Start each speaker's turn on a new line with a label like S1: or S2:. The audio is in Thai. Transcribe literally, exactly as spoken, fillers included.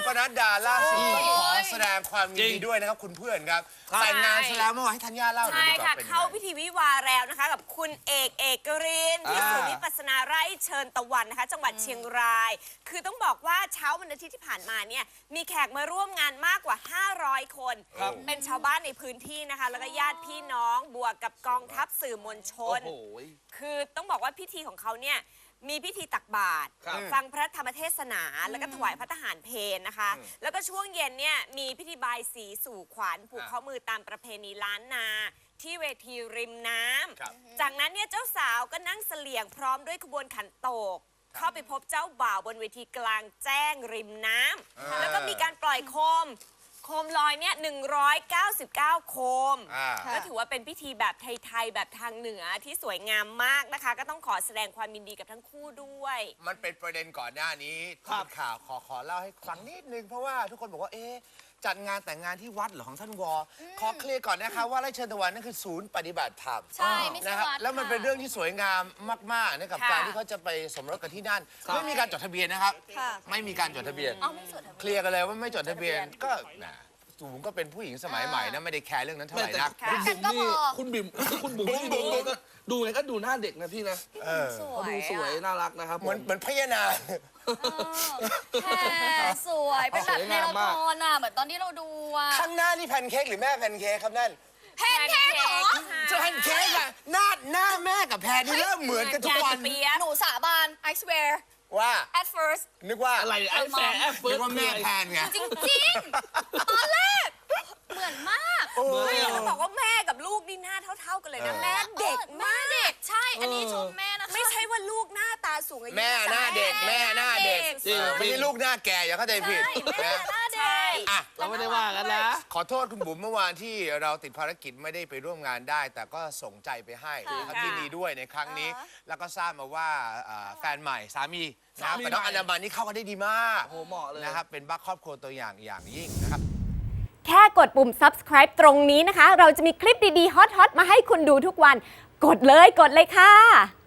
S1: นัดดาล่าสุดต้องขอแสดงความยินดีด้วยนะครับคุณเพื่อนครับแต่งงานซะแล้วเมื่อวานให้ธัญญาเล่าหน่อย
S2: ใช่
S1: ดีกว่า
S2: ค่ะ
S1: เป็นยังไง
S2: เข้าพิธีวิวาห์แล้วนะคะกับคุณเอกเอกรินที่ศูนย์วิปัสสนาไร่เชิญตะวันนะคะจังหวัดเชียงราย คือต้องบอกว่าเช้าวันอาทิตย์ที่ผ่านมาเนี่ยมีแขกมาร่วมงานมากกว่าห้าร้อยคนเป็นชาวบ้านในพื้นที่นะคะแล้วก็ญาติพี่น้องบวกกับกองทัพสื่อมวลชนคือต้องบอกว่าพิธีของเขาเนี่ยมีพิธีตักบาตรฟังพระธรรมเทศนาแล้วก็ถวายพระทหารเพลนะคะแล้วก็ช่วงเย็นเนี่ยมีพิธีบายสีสู่ขวัญผูกข้อมือตามประเพณีล้านนาที่เวทีริมน้ำจากนั้นเนี่ยเจ้าสาวก็นั่งเสลี่ยงพร้อมด้วยขบวนขันโตกเข้าไปพบเจ้าบ่าวบนเวทีกลางแจ้งริมน้ำแล้วก็มีการปล่อยโคมโคมลอยเนี่ยหนึ่งร้อยเก้าสิบเก้าโคมก็ถือว่าเป็นพิธีแบบไทยๆแบบทางเหนือที่สวยงามมากนะคะก็ต้องขอแสดงความยินดีกับทั้งคู่ด้วย
S1: มันเป็นประเด็นก่อนหน้านี้ที่เป็นข่าวขอขอเล่าให้ฟังนิดนึงเพราะว่าทุกคนบอกว่าเอ๊ะจัดงานแต่งงานที่วัดเหรอของท่านวอขอเคลียร์ก่อนนะคะว่าไร่เชิญตะวันนั่นคือศูนย์ปฏิบัติธรรม
S3: ใช่ไม่ใช่
S1: นะครับ
S3: วัด
S1: แล้วมันเป็นเรื่องที่สวยงามมากๆนะกับการที่เขาจะไปสมรสกันที่นั่นไม่มีการจดทะเบียนนะครับไม่มีการจดทะเบียนเคลียร์กันเลยว่าไม่จดทะเบียนก็สูงก็เป็นผู้หญิงสมัยใหม่นะไม่ได้แคร์เรื่องนั้นเท่าไหร่นัก
S4: คุณบิ๋มนี่คุณบิ๋มคุณบุ๋มนี่ดูก็ดูไงก็ดูหน้าเด็กนะพี่นะเขาดูสวยน่ารักนะครับ
S1: เหมือนเหมือนพญานาค
S3: แค่สวยเป็นแบบในละครอ่ะเหมือนตอนที่เราดูอ่ะ
S1: ข้างหน้านี่แพนเค้กหรือแม่แพนเค้กครับนั่น
S3: แพนเค้กเหรอ
S1: จะแพนเค้กอะหน้าหน้าแม่กับแพนนี่เริ่มเหมือนกันทุกวัน
S3: หนูสาบาน I swear
S1: ว่า
S3: at first
S1: นึกว่า
S4: อะไรไอ้แฟร์แอปเฟิ
S1: นึ
S4: ร์
S1: ก
S4: ส
S1: ว่าแม่แพนไง
S3: จริงๆตอนแรกเหมือนมาก
S2: ไม่ต้องบอกว่าแม่กับลูกนี่หน้าเท่าๆกันเลยนะแม่เด็ก
S3: แม่เด็กใช่อันนี้ชมแม่นะคะ
S2: ไม่ใช่ว่าลูกหน้าตาสูงอายุ
S1: แม่หน้าเด็กแม่หน้าเด็ก
S4: จริง
S1: ไม่ใช่ลูกหน้าแก่อย่าเข้าใจผิด
S3: แม่
S1: นะ
S3: หน้าเด็ก
S1: อ่ะ
S4: เราไม่ได้ว่ากันนะ
S1: ขอโทษคุณบุ๋มเมื่อวานที่เราติดภารกิจไม่ได้ไปร่วมงานได้ แต่ก็ส่งใจไปให้ครับที่ดีด้วยในครั้งนี้ แล้วก็ทราบมาว่าอ่าแฟนใหม่สามีนะครับกับน้องอนามันนี่เข้ากันได้ดีมาก
S4: โอ้เหมาะเลย
S1: นะครับเป็นบ้าครอบครัวตัวอย่างอย่างยิ่งนะครับ
S2: แค่กดปุ่ม subscribe ตรงนี้นะคะ เราจะมีคลิปดีๆ ฮอตๆ มาให้คุณดูทุกวัน กดเลย กดเลยค่ะ